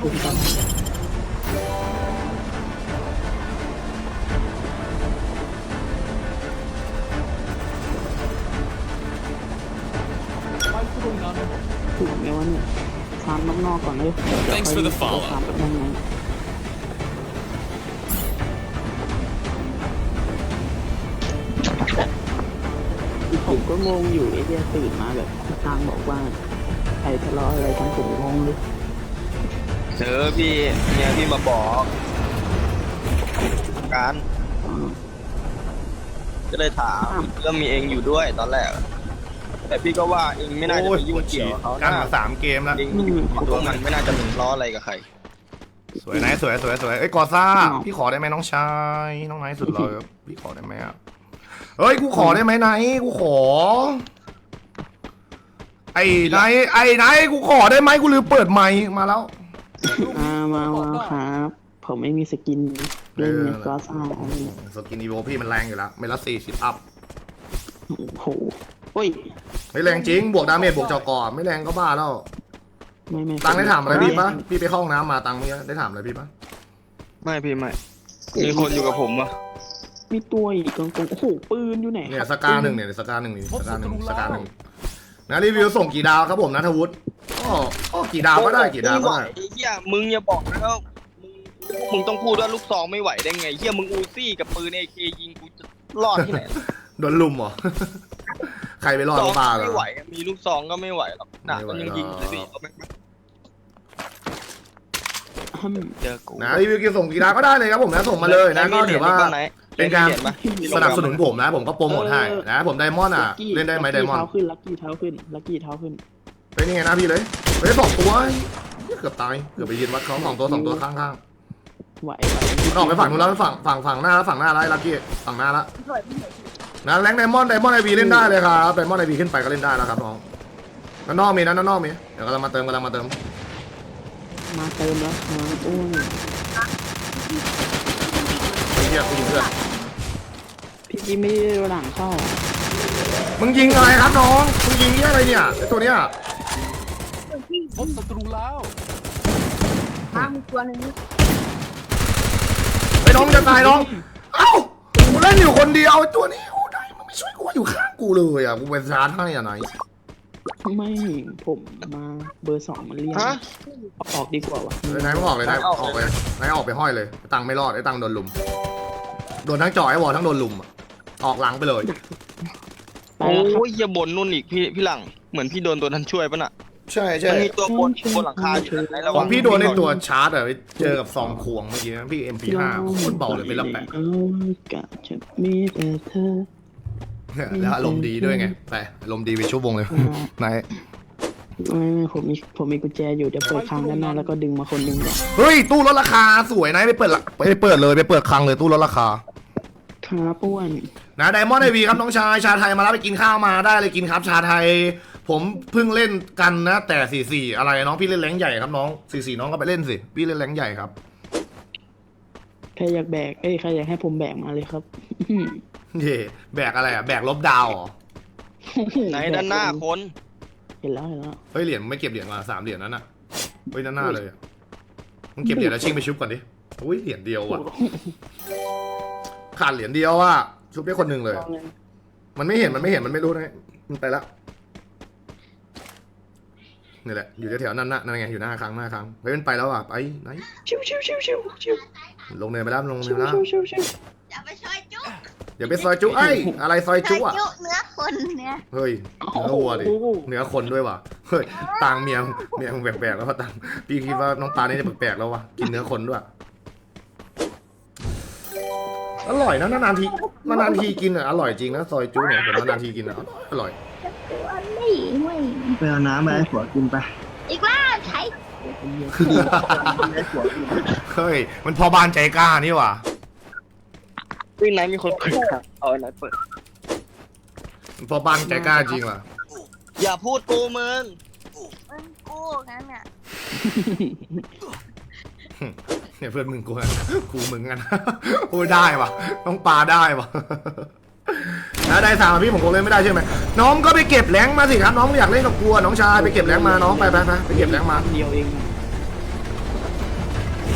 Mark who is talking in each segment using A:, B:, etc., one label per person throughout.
A: คุณกันถูกไหมวะเนี่ยฟาร์มนอกๆก่อนเลยฟาร์มแบบนั้นไงผมก็งงอยู่ไอ้เดียตื่นมาแบบทางบอกว่าใครทะเลาะอะไรกันผมงงเลย
B: พี่เนี่ยพี่มาบอกการก็เลยถามก็มีเองอยู่ด้วยตอนแรกแต่พี่ก็ว่าเองไม่น่าจะไปยุ่งเกี่ยวเขา
C: กันมา3 เกมแล้ว
B: เองตัวมันไม่น่าจะถึงล้ออะไรกับใคร
C: สวยนะสวยเอ้ยกอซ่าพี่ขอได้ไหมน้องชายน้องไนท์สุดเลยพี่ขอได้ไหมอ่ะเฮ้ยกูขอได้ไหมไนท์กูขอไอ้ไนท์กูขอได้ไหมกูลืมเปิดไมค์มาแล้ว
A: มาครับผมไม่มีสกินเล่นเนี่ยก็ซ่าอะไร
C: สกินอีโวพี่มันแรงอยู่แล้วเมลัส40 อัพ
A: โอ้โหโอ้ย
C: ไม่แรงจริงบวกดาเมจบวกจอกอไม่แรงก็บ้าแล้ว
A: ไม่
C: ตังได้ถามอะไรพี่ปะพี่ไปเข้าห้องน้ำมาตังไม่ได้ถามอะไรพี่ปะ
B: ไม่พี่ไม่มีคนอยู่กับผมอะ
A: มีตัวอีกตรงโอ้โหปืนอยู่ไหน
C: เนี่ยสกา1เนี่ยสกา1นะรีวิวส่งกี่ดาวครับผมนัทวุฒิก็กี่ดาวก็ได้กี่ดาวก็ได้
B: เฮียมึงอย่าบอกนะว่ามึงต้องพูดว่าลูกซองไม่ไหวได้ไงเฮียมึงอูซี่กับปืนAKยิงกูจะรอดที่ไหน
C: โดนลุมเหรอใครไปรอดบ้าเหรอ
B: ไม่ไหวมีลูกซองก็ไม่ไหวหรอกหนักมันยังยิงเลยพี่เจอกู
C: นะรีวิวกี่ส่งกี่ดาวก็ได้เลยครับผมนะส่งมาเลยนะก็ถือว่าเป็นการสนับสนุนผมนะผมก็โปรโมทให้นะผมไดมอนด์เล่นได้ไหมไดมอนด์
A: เท้าขึ้นลักกี้เท้าขึ้น
C: ไปนี่ไงนะพี่เลยไป2 ตัวเกือบตายเกือบไปยืนวัดเขา2 ตัวข้าง
A: ไหว
C: ออกไปฝั่งนู้นแล้วฝั่งหน้าแล้วลักกี้ฝั่งหน้าแล้วนะแรงไดมอนด์ไอวีเล่นได้เลยครับไดมอนด์ไอวีขึ้นไปก็เล่นได้แล้วครับน้องนั่นนอกมีเดี๋ยวกำลังมาเติมแล้ว
A: มาเติมแล้วโอ้ย
C: เฮียกูยิงเพื่อน
A: พี่ไม่ได้หลังเข้า
C: มึงยิงอะไรครับน้องมึงยิงนี่อะไรเนี่ยไอตัวเนี้ย
D: พบศัตรูแล้ว
E: มีตัวนึง
C: ไอ้น้องจะตายน้องเอ้ากูเล่นอยู่คนเดียวตัวนี้โอ้ได้มันไม่ช่วยกูอยู่ข้างกูเลยอ่ะกูเป็นชาร์จให้อ่ะไหน
A: ไม่ผมมาเบอร์ 2มันเรียกออกดีกว่าวะ
C: นายไม่ออกเลยนายออกไปนายออกไปห้อยเลยตังไม่รอดไอ้ตังโดนลุมโดนทั้งจ่อไอ้วอลทั้งโดนลุมออกหลังไปเลย
B: โอ้ยอย่าบ่นนู่นอีกพี่หลังเหมือนพี่โดนตัวนั้นช่วยป่ะน่ะ
C: ใช่
B: มันมีตัวบนหลังคาอยู่
C: ของพี่โดนในตัวชาร์จอะไปเจอกับซองควงเมื่อกี้พี่ MP5 โคตรเบาเลยเป็นละแปะแล้วอารมณ์ดีด้วยไงไปอารมณ์ดีไปชั่วโมงเลยนาย
A: ผมมีกุญแจอยู่เดี๋ยวเปิดคลังด้านหน้าแล้วก็ดึงมาคนนึงก่อน
C: เฮ้ยตู้ลดราคาสวยนะไปเปิดเลยไปเปิดคลังเลยตู้ลดราคา
A: ครับป้วน
C: นะไดมอนด์ไอวีครับน้องชายชาไทยมาแล้วไปกินข้าวมาได้เลยกินครับชาไทยผมเพิ่งเล่นกันนะแต่44อะไรน้องพี่เล่นแรงใหญ่ครับน้อง44น้องก็ไปเล่นสิพี่เล่นแรงใหญ่ครับ
A: ใครอยากแบกใครอยากให้ผมแบกมาเลยครับ
C: เย่แบกอะไรแบกลบดาว
B: ไหนด้านหน้าคน
A: เห็นแล้ว
C: เฮ้ยเหรียญไม่เก็บเหรียญมา3 เหรียญนั้นน่ะเฮ้ยด้านหน้าเลยมึงเก็บเหรียญแล้วชิงไปชุบก่อนดิอุ้ยเหรียญเดียวอ่ะขาดเหรียญเดียวอ่ะชุบได้คนหนึ่งเลยมันไม่เห็นมันไม่รู้นะมันไปแล้วนี่แหละอยู่แถวๆนั่นไงอยู่หน้าครั้งเฮ้ยมันไปแล้วอ่ะไปไหนชิวลงเนินไปแล้ว
E: อย่าไปซอยจุ
C: อะไรซอยจุอ่ะ
E: เนื้อคนเนี่ย
C: เฮ้ยเนื้อวัวดิเนื้อคนด้วยว่ะเฮ้ยตังเมียแปลกๆแล้วตังพี่คิดว่าน้องตาเนี่ยแปลกๆแล้วว่ะกินเนื้อคนด้วยอร่อยนะนานทีกินอ่ะอร่อยจริงนะซอยจุเนี่ยผมนานทีกินอ่ะอร่อย
A: ไปเอาน้ำมาให้ผัวกินไป
E: อีกแล้วใช้
C: เฮ้ยมันพอบ้านใจกล้านี่ว่ะ
B: วิ่งไหนมีคนเปิดเอาไหนเปิด
C: พอบ้านใจกล้าจริงว่ะ
B: อย่าพูดกูมึง
E: กูงั้นอ่ะ
C: เนี่ยเพื่อนมึงกูมึงกันโอ้ยได้ว่ะต้องปลาได้ว่ะนะได้3พี่ผมคงเล่นไม่ได้ใช่ไหมน้องก็ไปเก็บแรงมาสิครับน้องอยากเล่นกับกูน้องชายไปเก็บแรงมาน้องไปเก็บแรงมา
A: เดียวเอง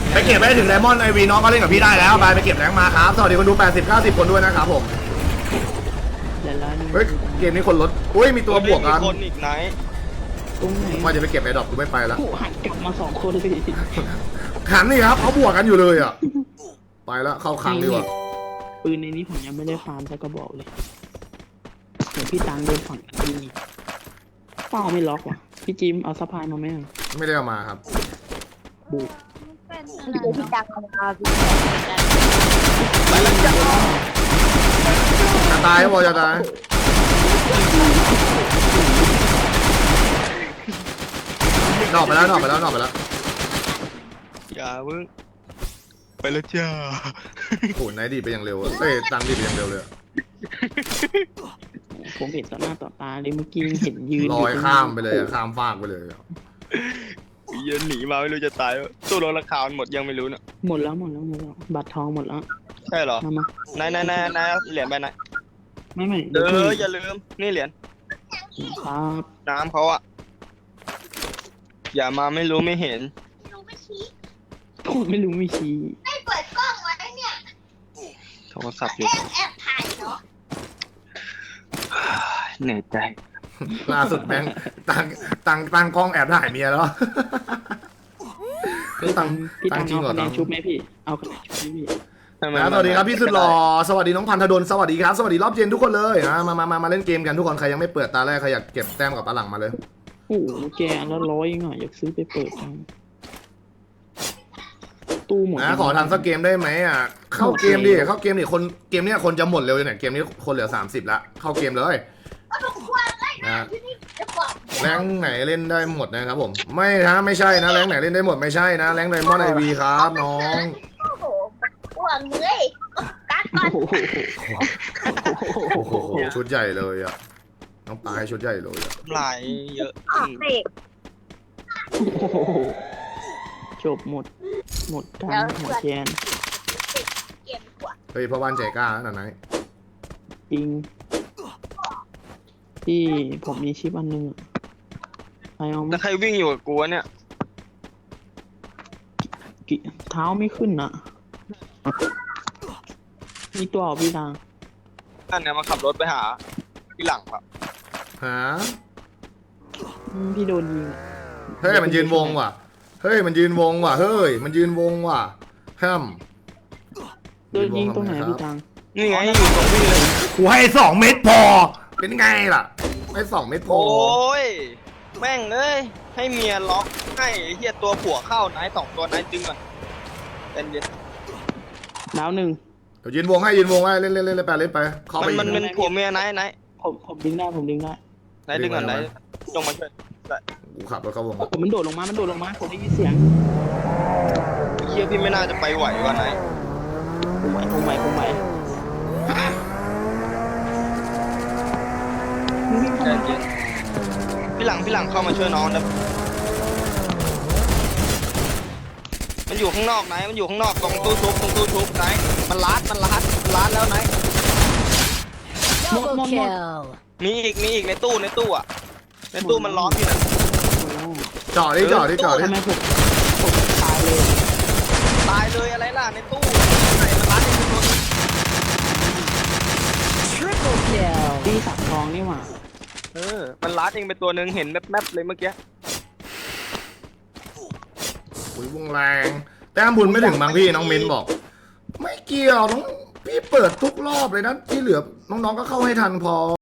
C: ไปเก็บได้ถึงไดมอนด์ไอวีน้องก็เล่นกับพี่ได้แล้วไปเก็บแรงมาครับสวัสดีคนดู80-90 คนด้วยนะครับผม
A: เดี๋ยวแล้ว
C: เฮ้ยเกมนี้คนลดอุ้ยมีตัวบวกกัน
B: มีคนอีกไหน
A: ตรงไหน
C: ว่าจะไปเก็บไอดอปกูไม่ไปละ
A: โอ้หันกลับมา2 คนเลย
C: หันนี่ครับเขาบวกกันอยู่เลยอ่ะไปแล้วเข้าคลังดีกว่า
A: ปืนในนี้ผมยังไม่ได้ฟาร์มสักกระบอกเลยเดี๋ยวพี่ตังโดนฝั่งนี้เป้าไม่ล็อกว่ะพี่จิมเอาสะพายมาไหมอะ
C: ไม่ได้เอามาครับ
A: บู
E: เป็นพี่ดังมา
B: ไปแล้วจ้า
C: จะตายก็บอกจะตายนอกไปแล้ว
B: อย่าเพิ่งไปแล้วจ้า
C: โอ้โหไหนดีไปอย่างเร็วอะเอ้ยตังดีไปอย่างเร็วเลยอะ
A: ผมเห็นต่อหน้าต่อตาเลยเมื่อกี้ยังเห็นยืน
C: ลอยข้ามไปเลยอะข้ามฟากไปเลยอะ
B: เย็นหนีมาไม่รู้จะตายตู้รถราคามันหมดยังไม่รู้เนอะ
A: หมดแล้วบัตรทองหมดแล้ว
B: ใช่เหรอ
A: มา
B: นายเหรียญไปไหน
A: ไม่
B: อย่าลืมนี่เหรียญ
A: ครับ
B: น้ำเขาอะอย่ามาไม่รู้ไม่เห็น
E: รู้ไม่ชี้
A: ผมไม่รู้มีชี้
E: ไม่เปิดกล้องไว้เนี่ย
B: โทรศัพท์อยู่
E: แอบถ่ายเหรอ
B: เหนื่อยใจ
C: ล่าสุดแบงค์ตังกล้องแอบถ่ายเมียแล้วตัง
A: พี่
C: ตั
A: ตั
C: ง
A: ง
C: จริง
A: เอา
C: เหรอ
A: คะแน
C: ตั
A: น
C: ง
A: ชุบไหมพี่เอาคะแนนชุบไหมพี่
C: นะสวัสดีครับพี่สุดหล่อสวัสดีน้องพันธดลสวัสดีครับสวัสดีรอบเย็นทุกคนเลยนะมาเล่นเกมกันทุกคนใครยังไม่เปิดตาแรกใครอยากเก็บแต้มกับตาหลังมาเลย
A: โอ้โหแกแล้ว100เองอ่ะอยากซื้อไปเปิดจังตู้หมด
C: นะขอทำสักเกมได้ไหมอ่ะเข้าเกมดิคนเกมเนี้ยคนจะหมดเร็วเลยเนี่ยเกมนี้คนเหลือ30ละเข้าเกมเลยนะ
E: จะบอก
C: แรงไหนเล่นได้หมดนะครับผมไม่ใช่นะแรงไหนเล่นได้หมดไม่ใช่นะแรงไดมอนด์ไอวีครับน้อง
E: โอ้โหห่วงเลยกัดก่อน
A: โอ้โห
C: โอ้โหชุดใหญ่เลยอ่ะน้องปลาให้ชุดใหญ่เลยอ่ะ
B: หลายเยอะ
E: ออกเบรก
A: โอ้โหจบหมดกันหมดแกน
E: เก็บกว่า
C: เฮ้ยพ่อบ้านใจกล้าขนาดไหน
A: จริงที่ผมมีชิปอันนึงอะใครเอาไหม
B: แล้วใครวิ่งอยู่กับกูวะเนี่ย
A: เท้าไม่ขึ้นอ่ะมีตัวเอาพี่ตัง
B: นั่นเนี่ยมาขับรถไปหาที่หลังครับ
C: ฮะ
A: พี่โดนยิงอะ
C: เฮ้ยมันยืนวงว่ะเฮ้ยมันยืนวงว่ะห้าม
A: โดนยิงตรงไหนพี่ตัง
B: นี่ไงอยู่ตรงนี้เลย
C: กูให้2 เม็ดพอเป็นไงล่ะให้2 เม็ดพอ
B: โอ้ยแม่งเอ้ยให้เมียล็อกให้ไอ้เฮียตัวผัวเข้านาย2 ตัวนายจึงก่อนเย็น
A: ดาวหนึ่ง
C: เดี๋ยวยืนวงให้เล่นไปเข้าไป
B: มันเป็นผัวเมียนาย
A: ผมดึงได้
B: นายดึงก่อนนายลงมาช่วย
C: กูขับรถเข้าวง
A: ผมมันโดดลงมาผมได้ยินเสียง
B: เฮียพี่ไม่น่าจะไปไหวว่ะนาย
A: ผมไหว
B: ใจเย็นพี่หลังเข้ามาช่วยน้องนะมันอยู่ข้างนอกนายมันอยู่ข้างนอกตรงตู้ชุบนายมันลัดแล้วนาย
F: Double kill.
B: มีอีกในตู้อ่ะในตู้มันล้อมอยู่นะ
C: จอดดิ
A: ทำไมผมตายเลย
B: ตายเลยอะไรล่ะในตู้ไหนมันลัดอีกตัวนึง
F: Triple kill.
A: พี่สักทองนี่หว่า
B: มันลัดเองไปตัวนึงเห็นแมบเลยเมื่อกี้
C: อุ้ยวงแรงแต้มบุญไม่ถึงบางพี่น้องมิ้นบอก ไม่เกี่ยวน้องพี่เปิดทุกรอบเลยนะที่เหลือน้องๆก็เข้าให้ทันพอ